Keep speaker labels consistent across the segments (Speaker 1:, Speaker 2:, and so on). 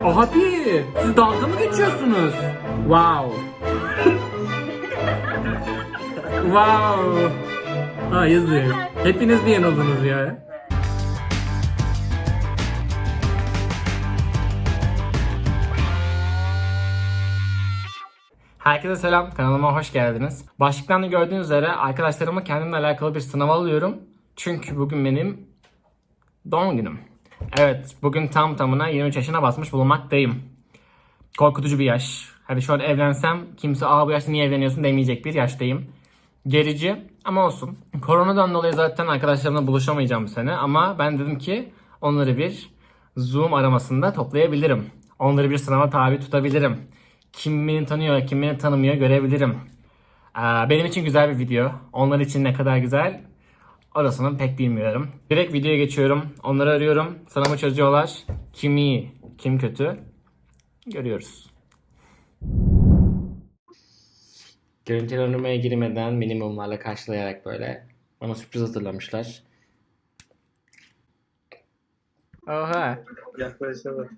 Speaker 1: Abi siz dalga mı geçiyorsunuz? Wow. Wow. Ha yazık. Hepiniz mi yanıldınız ya? Herkese selam, kanalıma hoş geldiniz. Başlıktan da gördüğünüz üzere arkadaşlarıma kendimle alakalı bir sınav alıyorum. Çünkü bugün benim doğum günüm. Evet, bugün tam tamına 23 yaşına basmış bulunmaktayım. Korkutucu bir yaş. Hadi şu an evlensem kimse bu yaşta niye evleniyorsun demeyecek bir yaştayım. Gerici ama olsun. Koronadan dolayı zaten arkadaşlarımla buluşamayacağım bu sene ama ben dedim ki onları bir Zoom aramasında toplayabilirim. Onları bir sınava tabi tutabilirim. Kim beni tanıyor, kim beni tanımıyor görebilirim. Benim için güzel bir video. Onlar için ne kadar güzel orasını pek bilmiyorum. Direkt videoya geçiyorum. Onları arıyorum. Sınavı çözüyorlar. Kim iyi, kim kötü görüyoruz. Görüntülendirmeye girmeden minimumlarla karşılayarak böyle bana sürpriz hazırlamışlar. Oha.
Speaker 2: Yaklaşalım.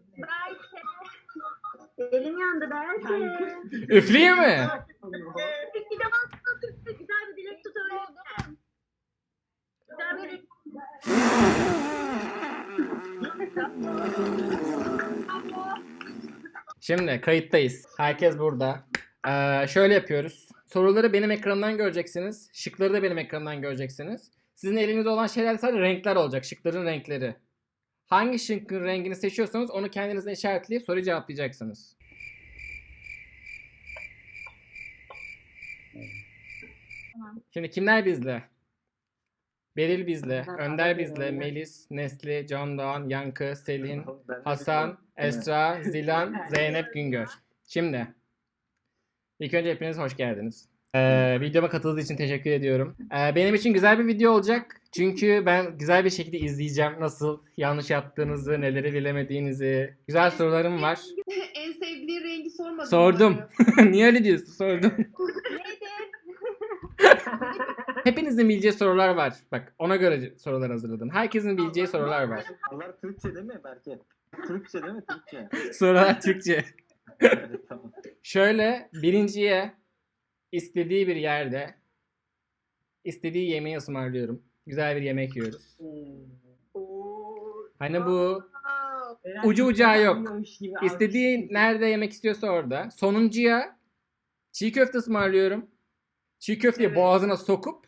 Speaker 3: Elim yandı belki.
Speaker 1: Üfleyeyim mi?
Speaker 3: Bir de bak güzel bir dilek tutalım. Güzel bir dilek.
Speaker 1: Şimdi kayıttayız. Herkes burada. Şöyle yapıyoruz. Soruları benim ekranımdan göreceksiniz. Şıkları da benim ekranımdan göreceksiniz. Sizin elinizde olan şeyler sadece renkler olacak. Şıkların renkleri. Hangi şıkkın rengini seçiyorsanız onu kendinizden işaretleyip soruyu cevaplayacaksınız. Şimdi kimler bizle? Beril bizle, Önder bizle, Melis, Nesli, Can Doğan, Yankı, Selin, Hasan, Esra, Zilan, Zeynep Güngör. Şimdi ilk önce hepiniz hoş geldiniz. Videoma katıldığınız için teşekkür ediyorum. Benim için güzel bir video olacak. Çünkü ben güzel bir şekilde izleyeceğim nasıl yanlış yaptığınızı, neleri bilemediğinizi. Güzel sorularım var.
Speaker 4: En sevdiği rengi sormadın.
Speaker 1: Sordum. Niye öyle diyorsun? Sordum.
Speaker 4: Neydi?
Speaker 1: Hepinizin bileceği sorular var. Bak ona göre sorular hazırladım. Herkesin bileceği sorular var.
Speaker 2: Bunlar Türkçe değil mi Berke? Türkçe değil mi? Türkçe.
Speaker 1: Sorular Türkçe.
Speaker 2: Evet, tamam.
Speaker 1: Şöyle birinciye istediği bir yerde istediği yemeği ısmarlıyorum. Güzel bir yemek yiyoruz. Hani bu ucu ucağı yok. İstediği nerede yemek istiyorsa orada. Sonuncuya çiğ köfte ısmarlıyorum. Çiğ köfteyi boğazına sokup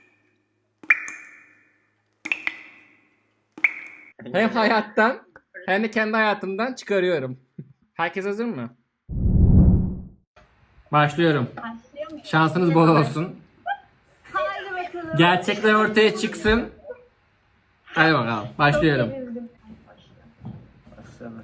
Speaker 1: hem hayattan hem de kendi hayatımdan çıkarıyorum. Herkes hazır mı? Başlıyorum.
Speaker 3: Başlıyor mu?
Speaker 1: Şansınız bol olsun.
Speaker 3: Haydi bakalım.
Speaker 1: Gerçekler ortaya çıksın. Hadi bakalım. Başlıyorum.
Speaker 2: Başlayalım.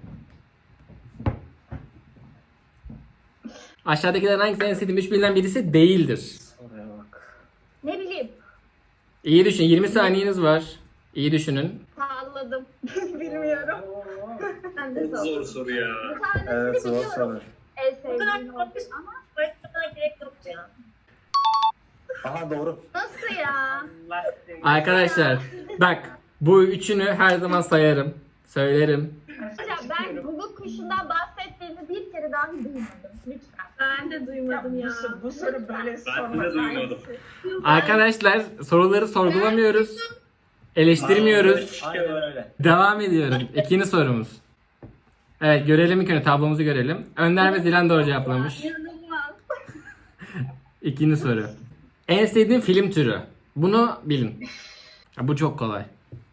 Speaker 1: Aşağıdakilerin hangisi en sevdiğim üç bilinen birisi değildir?
Speaker 2: Oraya bak.
Speaker 3: Ne bileyim.
Speaker 1: İyi düşün. 20 saniyeniz var. İyi düşünün.
Speaker 3: Salladım. Bilmiyorum. Ben de salladım.
Speaker 5: Zor soru ya.
Speaker 3: Bir tanesini
Speaker 2: Evet, zor
Speaker 3: biliyorum.
Speaker 2: soru.
Speaker 3: En sevdiğim oldu ama
Speaker 4: Gerek yok ya.
Speaker 2: Aha doğru.
Speaker 3: nasıl ya?
Speaker 1: Arkadaşlar bak bu üçünü her zaman sayarım. Söylerim.
Speaker 3: Hocam ben Google kuşundan bahsettiğinizi bir kere daha duymadım. Lütfen.
Speaker 4: Ben de duymadım ya.
Speaker 6: Bu soru böyle
Speaker 5: Ben de duymadım.
Speaker 1: Arkadaşlar soruları sorgulamıyoruz. Eleştirmiyoruz.
Speaker 2: Aynen öyle.
Speaker 1: Devam ediyorum. İkinci sorumuz. Evet görelim ilk önce tablomuzu görelim. Önder ve Zilan doğru cevaplamış.
Speaker 3: İnanılmaz.
Speaker 1: İkinci soru. En sevdiğin film türü. Bunu bilin. Ha, bu çok kolay.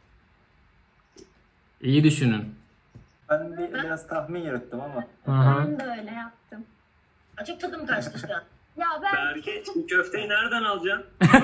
Speaker 1: İyi düşünün.
Speaker 2: Ben biraz tahmin yürüttüm ama.
Speaker 1: Aha.
Speaker 3: Ben de öyle yaptım.
Speaker 4: Açık tadım kaçtı şu an.
Speaker 3: Ya ben
Speaker 5: Berke çiğ köfteyi nereden alacaksın?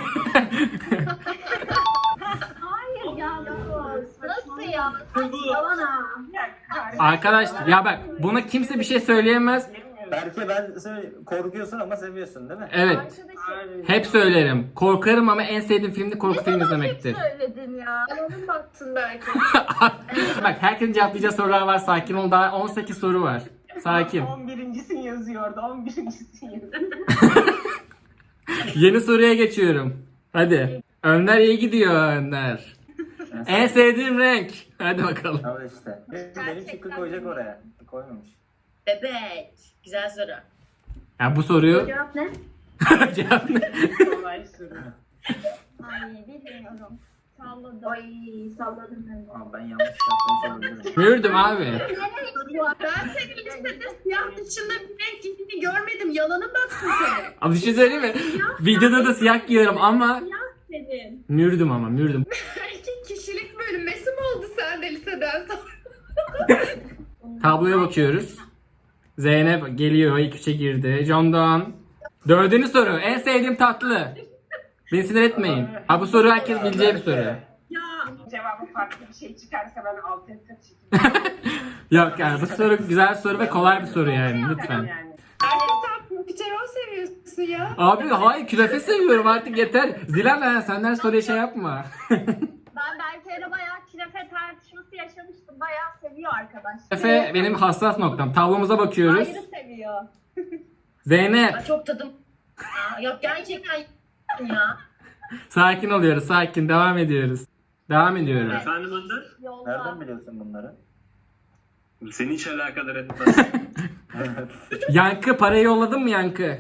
Speaker 3: hayır ya nasıl ya? Yalan ha.
Speaker 1: Arkadaşlar ya bak buna kimse bir şey söyleyemez.
Speaker 2: Berke korkuyorsun ama seviyorsun değil mi?
Speaker 1: Evet.
Speaker 3: Arkadaşım.
Speaker 1: Hep söylerim. Korkarım ama en sevdiğim film de korku filmi izlemektir.
Speaker 3: Söyledin ya.
Speaker 4: Yalanın baktın belki.
Speaker 1: Bak herkesin cevaplayacağı sorular var. Sakin ol. Daha 18 soru var. Sakin.
Speaker 6: 11.sin yazıyordu. 11.sin yazıyordu.
Speaker 1: Yeni soruya geçiyorum. Hadi. Önder iyi gidiyor Önder. En sevdiğim renk. Hadi bakalım.
Speaker 2: Al işte. Benim şıkkı koyacak oraya. Koymamış.
Speaker 4: Evet. Güzel soru.
Speaker 1: Ya bu soruyu
Speaker 3: Cevap ne?
Speaker 1: cevap ne?
Speaker 6: Kolay soru.
Speaker 3: Ay bilmiyorum. Salladım. Ay salladım ben de.
Speaker 2: Aa, ben yanlış yapmış olabilirim.
Speaker 1: Mürdüm abi.
Speaker 4: Ben senin listede siyah dışında bir renk giydiğini görmedim. Yalanın baksın senin.
Speaker 1: Abi bir şey söyleyeyim mi? Videoda da siyah giyiyorum ama
Speaker 3: Senin.
Speaker 1: mürdüm ama mürdüm.
Speaker 4: Erkek kişilik bölünmesi mi oldu sende liseden sonra?
Speaker 1: Tabloya bakıyoruz. Zeynep geliyor, ilk üçe girdi. John Doğan. Dördüncü soru. En sevdiğim tatlı. Beni sinir etmeyin. Ha bu soru herkes bileceği bir soru.
Speaker 6: Ya cevabı farklı bir şey çıkarsa ben alt ettim çekeyim.
Speaker 1: Yok yani bu soru güzel soru ve kolay bir soru yani lütfen.
Speaker 6: Yani.
Speaker 4: Piterol seviyorsun ya.
Speaker 1: Abi hayır künefe seviyorum artık yeter. Zilan senden soruya şey yapma.
Speaker 3: Ben Berke'yle bayağı künefe tartışması yaşamıştım. Bayağı seviyor arkadaş.
Speaker 1: Künefe benim hassas noktam. Tablomuza bakıyoruz.
Speaker 3: Ayrı seviyor.
Speaker 1: Zeynep
Speaker 4: Ay, çok tadım. Yok gerçekten ya.
Speaker 1: sakin oluyoruz sakin devam ediyoruz. Devam ediyorum.
Speaker 5: Efendim Önder?
Speaker 3: Yolda.
Speaker 2: Nereden biliyorsun bunları?
Speaker 5: Seni hiç alakadar etmez.
Speaker 1: Yankı parayı yolladın mı Yankı?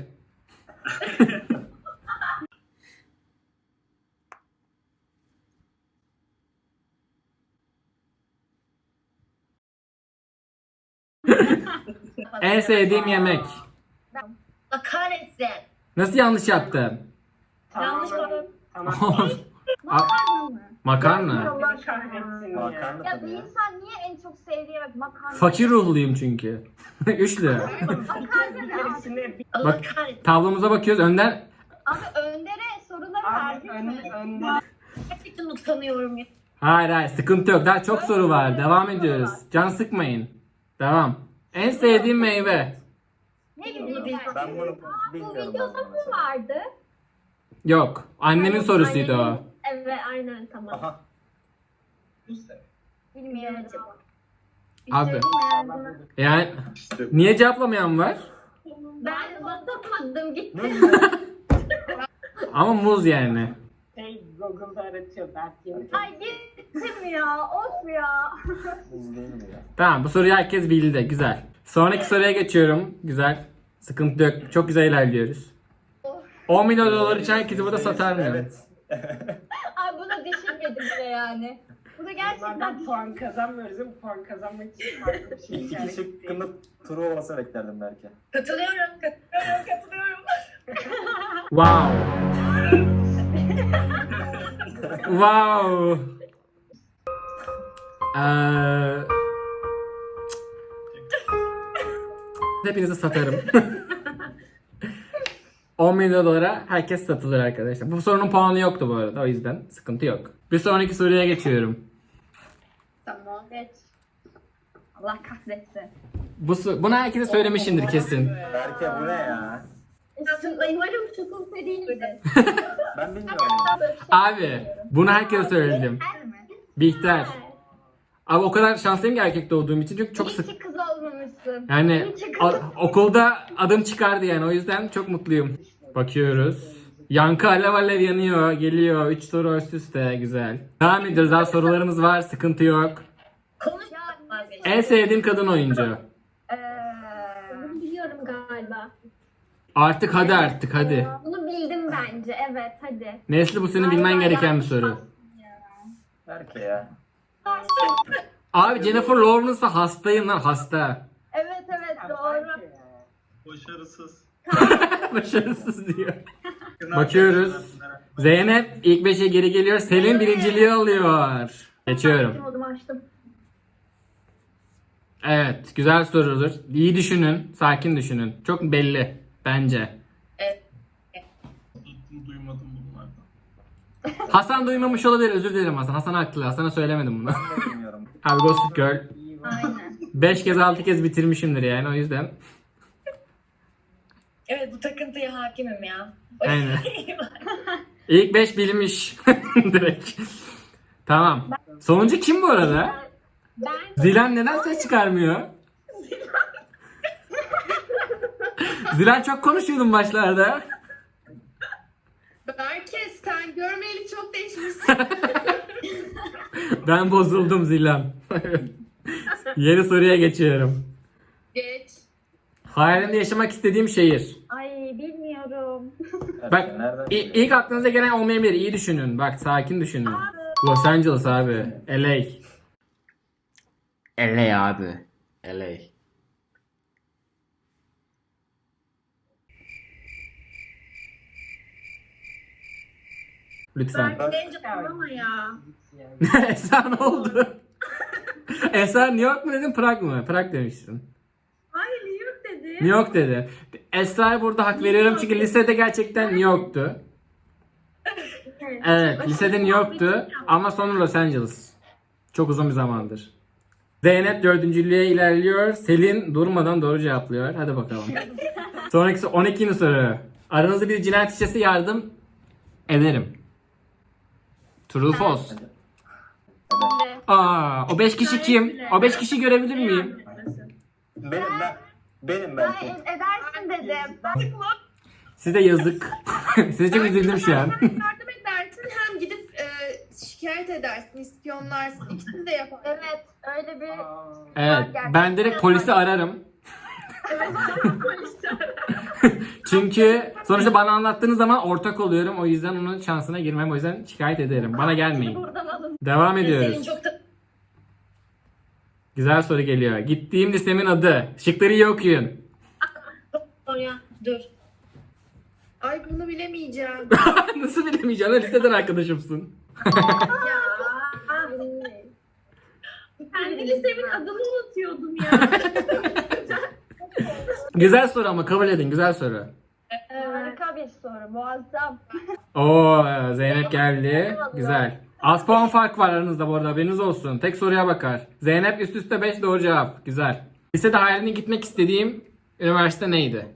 Speaker 1: En sevdiğim yemek.
Speaker 4: Allah kahretsin.
Speaker 1: Nasıl yanlış yaptım?
Speaker 4: Yanlış
Speaker 6: Tamam.
Speaker 4: bana.
Speaker 6: Tamam.
Speaker 3: Makarna mı?
Speaker 1: Makarna.
Speaker 6: Allah kahretsin ya.
Speaker 2: Makarna
Speaker 3: Ya
Speaker 2: tabii
Speaker 3: bir
Speaker 2: ya.
Speaker 3: insan niye en çok sevdiği yemek makarna?
Speaker 1: Fakir ruhluyum çünkü. Üçlü.
Speaker 3: Makarna ne abi?
Speaker 6: Hepsini bir...
Speaker 4: Allah
Speaker 1: Bak
Speaker 4: kahretsin.
Speaker 1: tablomuza bakıyoruz. Önden
Speaker 3: Abi Önder'e soruları
Speaker 6: Abi
Speaker 3: verdik mi?
Speaker 6: önde.
Speaker 4: Gerçekten utanıyorum ya.
Speaker 1: hayır sıkıntı yok. Daha çok soru var. Devam ediyoruz. Can sıkmayın. Devam. En sevdiğim meyve.
Speaker 3: Ne bileyim
Speaker 2: Ben bunu
Speaker 3: Bu
Speaker 2: bilmiyorum.
Speaker 3: videoda
Speaker 2: ben bunu
Speaker 3: mı
Speaker 2: mesela.
Speaker 3: vardı?
Speaker 1: Yok. Annemin sorusuydu o.
Speaker 3: Annemin- Evet aynen tamam.
Speaker 2: Aha.
Speaker 3: Bilmiyorum.
Speaker 1: Abi.
Speaker 3: Abi.
Speaker 1: Yani
Speaker 5: İşte
Speaker 1: niye cevaplamayan var?
Speaker 3: Ben basamadım gittim.
Speaker 1: Ama muz yani.
Speaker 6: Google'da aratıyor belki.
Speaker 3: Ay gittim ya. Of ya.
Speaker 2: Biz değil mi ya?
Speaker 1: Tamam bu soruyu herkes bildi. Güzel. Sonraki soruya geçiyorum. Güzel. Sıkıntı yok. Çok güzel ilerliyoruz. 10 milyon dolar için herkesi burada satar mı?
Speaker 2: Evet.
Speaker 3: Ay bunu düşünmedim bile yani. Bu da gerçekten
Speaker 6: Bunlardan puan kazanmıyoruz ama puan kazanmak için farklı bir şey
Speaker 2: İki kişi şıkkında turu olmasa beklerdim belki.
Speaker 4: Katılıyorum.
Speaker 1: Wow. Wow. Hepinizi satarım. 10 milyon dolara herkes satılır arkadaşlar. Bu sorunun puanı yoktu bu arada o yüzden sıkıntı yok. Bir sonraki soruya geçiyorum.
Speaker 3: Tamam. Geç. Allah kahretsin.
Speaker 1: Bunu herkese söylemişimdir kesin.
Speaker 2: Berke bu ne ya?
Speaker 3: Umarım çukur değildi.
Speaker 2: Ben bilmiyorum.
Speaker 1: Abi bunu herkese söyledim. Bihter. Abi o kadar şanslıyım ki erkek doğduğum için çünkü çok
Speaker 3: İyi
Speaker 1: sık
Speaker 3: ki kız olmamışsın.
Speaker 1: yani
Speaker 3: İyi ki kız
Speaker 1: okulda adım çıkardı yani o yüzden çok mutluyum. Bakıyoruz. Yankı alev alev yanıyor, geliyor. 3 soru üst üste güzel. Devam ediyoruz. Daha sorularımız var, sıkıntı yok.
Speaker 4: Konuş.
Speaker 1: En sevdiğim kadın oyuncu.
Speaker 3: Bunu biliyorum galiba.
Speaker 1: Artık hadi.
Speaker 3: Bunu bildim bence. Evet hadi.
Speaker 1: Nesli bu senin bilmen gereken bir soru.
Speaker 2: Berke ya.
Speaker 1: Abi Jennifer Lawrence'a hastayım lan hasta.
Speaker 3: Evet doğru.
Speaker 5: başarısız.
Speaker 1: Başarısız diyor. Bakıyoruz. Zeynep ilk 5'e geri geliyor. Selin birinciliği alıyor. Geçiyorum.
Speaker 3: Oldum açtım.
Speaker 1: Evet, güzel sorudur. İyi düşünün, sakin düşünün. Çok belli bence.
Speaker 5: Duymadım bunlardan.
Speaker 1: Hasan duymamış olabilir. Özür dilerim Hasan. Hasan haklı. Hasan'a söylemedim bunu.
Speaker 2: Ben de bilmiyorum.
Speaker 1: Abi Gossip Girl
Speaker 3: Aynen.
Speaker 1: 5 kez 6 kez bitirmişimdir yani o yüzden.
Speaker 4: Evet bu takıntıya hakimim ya.
Speaker 1: Aynen. İlk 5 bilmiş. Direkt. Tamam. Sonuncu kim bu arada?
Speaker 3: Ben
Speaker 1: Zilan neden ses çıkarmıyor? Zilan çok konuşuyordun başlarda.
Speaker 4: Berke sen görmeyeli çok değişmişsin.
Speaker 1: Ben bozuldum Zilan. Yeni soruya geçiyorum.
Speaker 4: Geç.
Speaker 1: Hayalimde yaşamak istediğim şehir.
Speaker 3: Ay bilmiyorum.
Speaker 1: Bak
Speaker 2: Nereden
Speaker 1: ilk aklınıza gelen olmayabilir. İyi düşünün. Bak sakin düşünün. Los Angeles abi. LA. LA abi. LA. Lütfen.
Speaker 4: Ben gelince ama ya.
Speaker 1: Esra ne oldu? Esra New York mu dedin Prag mı? Prag demiştin.
Speaker 4: Hayır New York dedi.
Speaker 1: New York dedi. Esra'ya burada hak veriyorum çünkü lisede gerçekten New York'tu. Evet, lisede New York'tu ama sonra Los Angeles. Çok uzun bir zamandır. Zeynep dördüncülüğe ilerliyor. Selin durmadan doğru cevaplıyor. Hadi bakalım. Sonraki 12. soru. Aranızda bir cinayet işlese yardım ederim. True false. Aa, o 5 kişi kim? O 5 kişi görebilir miyim?
Speaker 2: Benim
Speaker 3: Ben
Speaker 2: belki.
Speaker 3: edersin dedim.
Speaker 1: Size yazık. Size çok üzüldüm şu an.
Speaker 4: Yardım edersin hem gidip şikayet edersin, ispiyonlarsın. İkisini de yaparsın.
Speaker 3: Evet öyle bir...
Speaker 1: Evet, ben direkt polisi ararım. Çünkü sonuçta bana anlattığınız zaman ortak oluyorum. O yüzden onun şansına girmem. O yüzden şikayet ederim. Bana gelmeyin.
Speaker 3: Buradan alın.
Speaker 1: Devam
Speaker 4: Senin
Speaker 1: ediyoruz.
Speaker 4: çok da...
Speaker 1: Güzel soru geliyor. Gittiğim lisemin adı. Şıkları iyi okuyun.
Speaker 3: Oraya dur.
Speaker 4: Ay bunu bilemeyeceğim.
Speaker 1: Nasıl bilemeyeceğim? Liseden arkadaşımsın.
Speaker 4: Kendi lisemin adını unutuyordum ya.
Speaker 1: Güzel soru ama kabul edin. Güzel soru.
Speaker 3: Harika bir soru. Muazzam.
Speaker 1: Oo, Zeynep geldi. Güzel. Az puan fark var aranızda bu arada. Haberiniz olsun. Tek soruya bakar. Zeynep üst üste 5 doğru cevap. Güzel. Lisede hayaline gitmek istediğim üniversite neydi?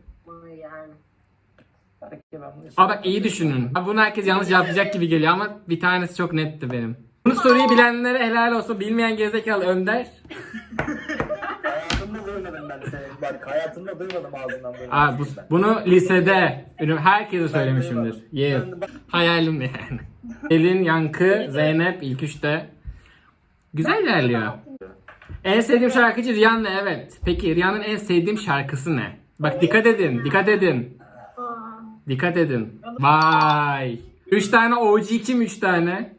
Speaker 2: Belki ben bunu
Speaker 1: Aa bak iyi düşünün. Bunu herkes yanlış cevaplayacak gibi geliyor ama bir tanesi çok netti benim. Bu soruyu bilenlere helal olsun. Bilmeyen gerizekalı Önder.
Speaker 2: hayatımda duymadım ben seni. Bak hayatımda duymadım ağzından böyle.
Speaker 1: Aa, bunu lisede herkese söylemişimdir. Yeah. Hayalim yani. Elin, Yankı, Zeynep ilk üçte. Güzel ilerliyor. En sevdiğim şarkıcı Rihanna evet. Peki Rihanna'nın en sevdiğim şarkısı ne? Bak dikkat edin, dikkat edin. Dikkat edin. Vay. 3 tane OG kim 3 tane?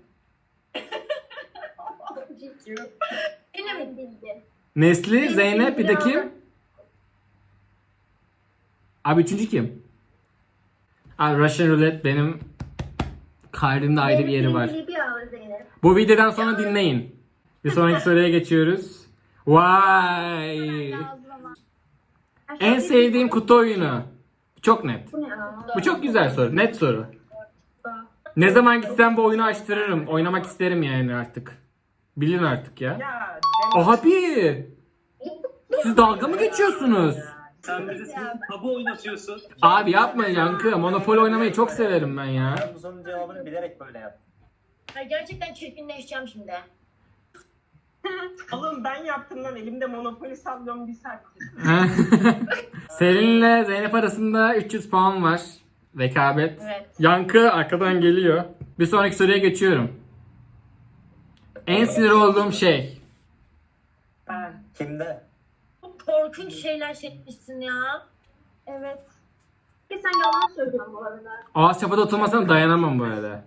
Speaker 3: Benim bildi.
Speaker 1: Nesli, Zeynep bir de kim? Abi üçüncü kim? Abi Russian Roulette benim kalbimde ayrı bir yeri var.
Speaker 3: Bir ağır Zeynep.
Speaker 1: Bu videodan sonra dinleyin. Bir sonraki soruya geçiyoruz. Vay. En sevdiğim kutu oyunu. Çok net. Bu çok güzel soru. Net soru. Ne zaman gitsem bu oyunu açtırırım. Oynamak isterim yani artık. Bilin artık ya.
Speaker 6: Ya
Speaker 1: Abi. Siz dalga mı geçiyorsunuz?
Speaker 5: Sen bizi tabu oynatıyorsun.
Speaker 1: Abi yapma Yankı. Monopoly oynamayı çok severim ben ya.
Speaker 2: Ben bu sorunun cevabını bilerek böyle yaptım.
Speaker 3: Gerçekten çirkinleşeceğim şimdi.
Speaker 6: oğlum ben yaptım lan elimde Monopoly sallıyorum bir saat.
Speaker 1: Selin'le Zeynep arasında 300 puan var. Rekabet.
Speaker 3: Evet.
Speaker 1: Yankı arkadan geliyor. Bir sonraki soruya geçiyorum. En sinir olduğum şey.
Speaker 6: Ben.
Speaker 2: Kimde?
Speaker 3: Çok korkunç şeyler çekmişsin ya. Evet. Ki sen yalan söylüyorsun bu arada.
Speaker 1: Ağız çapada oturmasına dayanamam bu arada.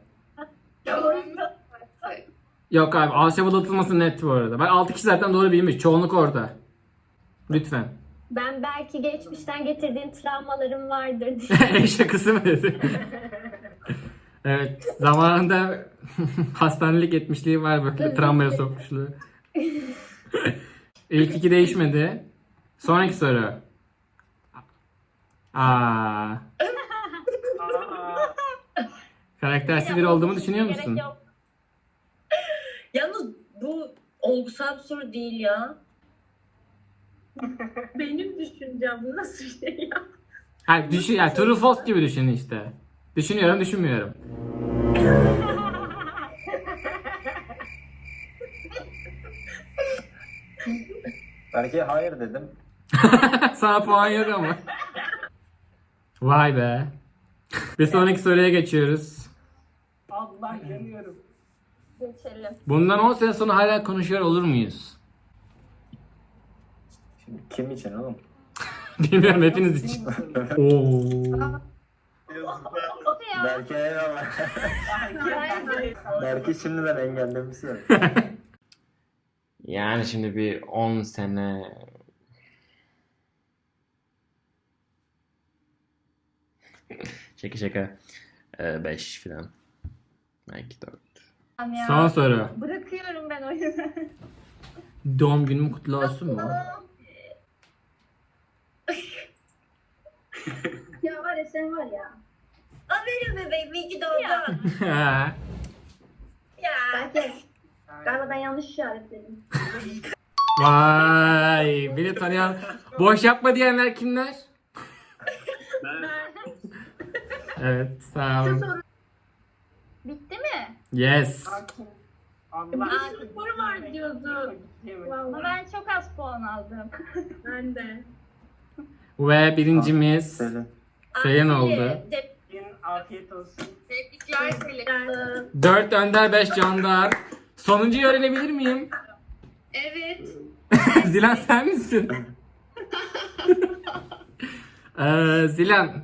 Speaker 1: Yok abi ağız çapada oturması net bu arada. Bak 6 kişi zaten doğru bilmiş. Çoğunluk orada. Lütfen.
Speaker 3: Ben belki geçmişten getirdiğin travmalarım vardır diye.
Speaker 1: En şakası mı dedi? Evet. Zamanında hastanelik etmişliği var böyle travmaya sokmuşluğu. İlk iki değişmedi. Sonraki soru.
Speaker 6: Aa,
Speaker 1: Karaktersiz biri olduğumu düşünüyor musun?
Speaker 3: Gerek yok.
Speaker 7: Yalnız bu olgusal bir soru değil ya.
Speaker 4: Benim düşüncem bu nasıl bir şey ya?
Speaker 1: Ha düşün yani true false gibi düşün işte. Düşünüyorum, düşünmüyorum.
Speaker 2: Belki hayır dedim.
Speaker 1: Sana puan yok ama. Vay be. Bir sonraki soruya geçiyoruz.
Speaker 6: Allah yanıyorum.
Speaker 3: Geçelim.
Speaker 1: Bundan 10 sene sonra hala konuşuyor olur muyuz?
Speaker 2: Şimdi kim için oğlum?
Speaker 1: Bilmiyorum, hepiniz için. Oo.
Speaker 2: Belki eyvallah. Belki şimdiden engellemişsin.
Speaker 1: Yani şimdi bir 10 sene... şaka. 5 falan. Belki 4.
Speaker 3: Ya.
Speaker 1: Son soru.
Speaker 3: Bırakıyorum ben oyunu.
Speaker 1: Doğum günüm kutlu olsun mu?
Speaker 3: Ya var ya sen var ya.
Speaker 7: O benim bebeğim. İyi ki doğdun.
Speaker 1: Ha.
Speaker 7: Ya.
Speaker 3: Belki galiba ben yanlış işaretledim.
Speaker 1: Vay, beni tanıyan boş yapma diyenler kimler?
Speaker 5: Ben
Speaker 1: Evet, sağ olun.
Speaker 3: Bitti mi?
Speaker 1: Yes.
Speaker 6: Allah
Speaker 3: soru var diyordu. Ama ben çok az puan aldım. Ben de.
Speaker 1: Ve birincimiz
Speaker 2: Selin.
Speaker 1: Selin oldu.
Speaker 6: afiyet olsun.
Speaker 4: Tebrikler Selin.
Speaker 1: 4 Önder, 5 Candar. Sonuncuyu öğrenebilir miyim?
Speaker 4: Evet.
Speaker 1: Zilan sen misin? Zilan.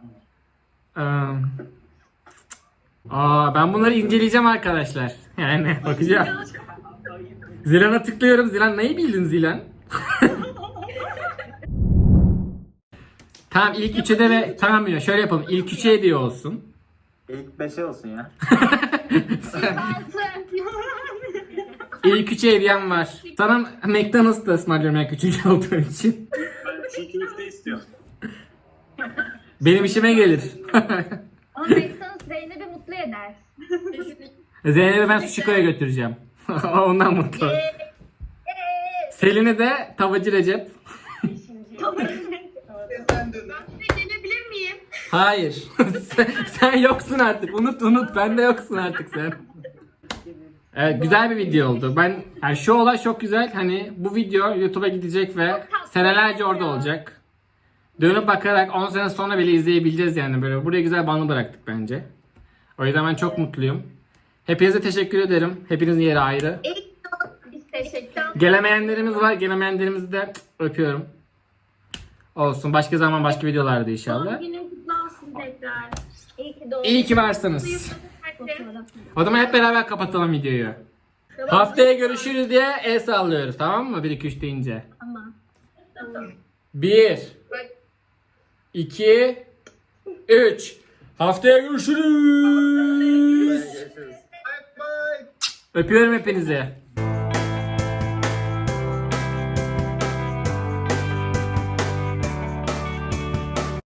Speaker 1: Ben bunları inceleyeceğim arkadaşlar. Yani bakacağım. Zilan'a tıklıyorum. Zilan neyi bildin Zilan? Tamam, ilk üçe de ve tamam ya şöyle yapalım. İlk üçe hediye olsun.
Speaker 2: İlk 5'e olsun ya.
Speaker 1: İlk üçe hediyem var. Sana McDonald's'ta ısmarlıyorum ilk üçüncü olduğun için.
Speaker 5: ben çiğ köfte istiyorum.
Speaker 1: Benim işime gelir.
Speaker 3: Ama McDonald's Zeynep'i mutlu eder.
Speaker 1: Zeynep'i ben Sushiko'ya götüreceğim. Ondan mutlu. Selin'i de Tavacı Recep.
Speaker 4: Ben de gelebilir miyim?
Speaker 1: Hayır. sen yoksun artık. Unut. Ben de yoksun artık sen. Evet, güzel bir video oldu. Yani şu olay çok güzel. Hani bu video YouTube'a gidecek ve senelerce orada olacak. Dönüp bakarak 10 sene sonra bile izleyebileceğiz yani böyle. Buraya güzel bandı bıraktık bence. O yüzden ben çok mutluyum. Hepinize teşekkür ederim. Hepinizin yeri ayrı.
Speaker 3: Biz teşekkür ederiz.
Speaker 1: Gelemeyenlerimiz var. Gelemeyenlerimizi de öpüyorum. Olsun. Başka zaman başka videolarda inşallah.
Speaker 3: Günün kutlu olsun tekrar. İyi ki doğdun.
Speaker 1: İyi ki varsınız. O zaman hep beraber kapatalım videoyu. Haftaya görüşürüz diye el sallıyoruz, tamam mı? 1 2 3 deyince.
Speaker 3: Tamam.
Speaker 1: 1 2 3 Haftaya görüşürüz.
Speaker 2: Görüşürüz.
Speaker 1: Öpüyorum hepinizi.